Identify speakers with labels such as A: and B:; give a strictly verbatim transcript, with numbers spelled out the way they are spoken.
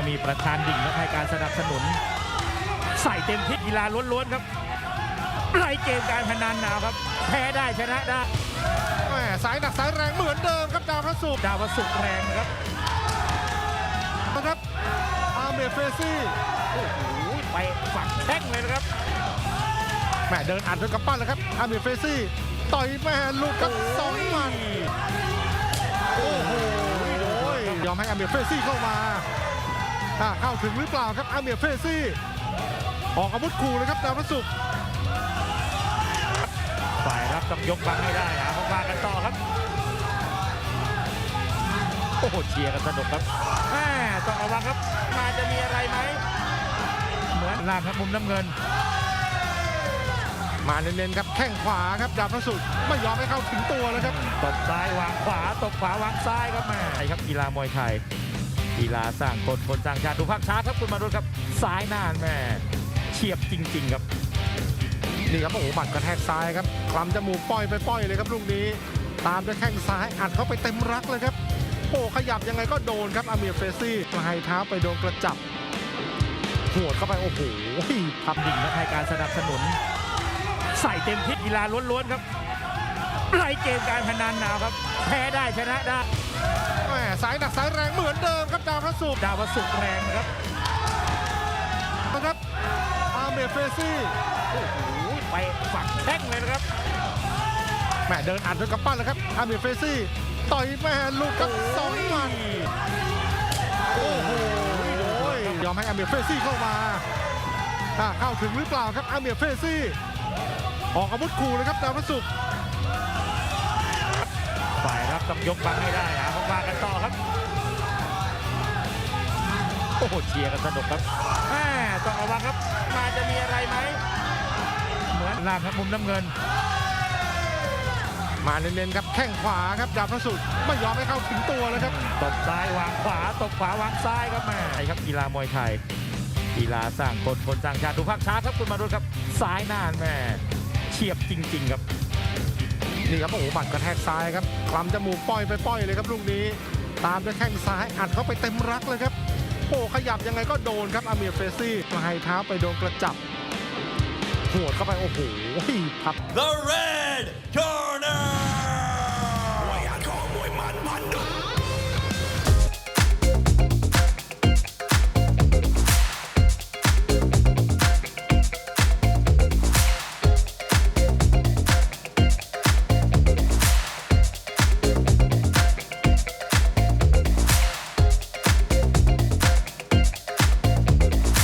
A: มีประธานดิ่งและให้การสนับสนุนใส่เต็มที่กีฬาล้วนๆครับไล่เกมการพนันหนาวครับแพ้ได้ชนะได้
B: แหมสายหนักสายแรงเหมือนเดิมครับดาวพระศุกร์
A: ดาวสุกแรงนะครับ
B: นะครับอาเมเฟซี่
A: โอ้โหไปฝังแข้งเลยนะครับ
B: แหมเดินอัดด้วยกำปั้นเลยครับอาเมเฟซี่ต่อยแม่ลูกกับสองหมัดโอ้โหยอมให้อาเมเฟซี่เข้ามาเข้าถึงหรือเปล่าครับอาเมเฟซี่ออกอาวุธขู่เลยครับดาวพระศุกร์
A: ฝ่ายรับต้องยกบังให้ได้หาของมากันต่อครับโอ้โหเชียร์กันสนุกครับแม่ต้องระวังครับมาจะมีอะไรไหมเหมือนล่างครับมุมน้ำเงิน
B: มาเน้นๆครับแข้งขวาครับดาวพระศุกร์ไม่ยอมให้เข้าถึงตัวเลยครับ
A: ตบซ้ายวางขวาตบขวาวางซ้ายครับแม่ไอ้ครับกีฬามวยไทยกีฬาสร้างคนคนสร้างชาติดูภาพช้าครับคุณมาดูครับซ้ายหน้าแม่เฉียบจริงๆครับ
B: นี่ครับโอ้โหหมัดกระแทกซ้ายครับคลำจมูกป้อยไปป้อยเลยครับลูกนี้ตามด้วยแข้งซ้ายอัดเข้าไปเต็มรักเลยครับโอ้ขยับยังไงก็โดนครับอาเมียเฟซี่ปลายเท้าไปโดนกระจับหัวเข้าไปโอ้โห
A: ทำดิ่งและให้การสนับสนุนใส่เต็มที่กีฬาล้วนๆครับไล่เกมการพนันหนาวครับแพ้ได้ชนะได้
B: แหมสายหนักสายแรงเหมือนเดิมครับดาวพระศุกร์
A: ดาวสุกแรงนะครับ
B: นะครับอาเมเฟซี่
A: โอ้โหไปฝังแข้งเลยนะครับ
B: แหมเดินอัดด้วยกำปั้นเลยครับอาเมเฟซี่ต่อยแม่ลูกกับสองหมัดโอ้โหยอมให้อาเมเฟซี่เข้ามาเข้าถึงหรือเปล่าครับอาเมเฟซี่ออกอาวุธขู่เลยครับดาวพระศุกร์
A: ฝ่ายรับต้องยกบังให้ได้หาของมากันต่อครับโอ้โหเชียร์กันสนุกครับแม่ต้องระวังครับมาจะมีอะไรไหมเหมือนล่างครับมุมน้ำเงิน
B: มาเน้นๆครับแข้งขวาครับดาวพระศุกร์ไม่ยอมให้เข้าถึงตัวเลยครับ
A: ตบซ้ายวางขวาตบขวาวางซ้ายครับแม่ไอ้ครับกีฬามวยไทยกีฬาสร้างคนคนสร้างชาติดูภาพช้าครับคุณมาดูครับซ้ายหน้าแม่เฉียบจริงๆครับ
B: นี่ครับโอ้โหหมัดกระแทกซ้ายครับคลำจมูกป้อยไปป้อยเลยครับลูกนี้ตามด้วยแข้งซ้ายอัดเข้าไปเต็มรักเลยครับโอ้ขยับยังไงก็โดนครับอาเมียเฟซี่ปลายเท้าไปโดนกระจับหัวเข้าไปโอ้โหครับ
C: The Red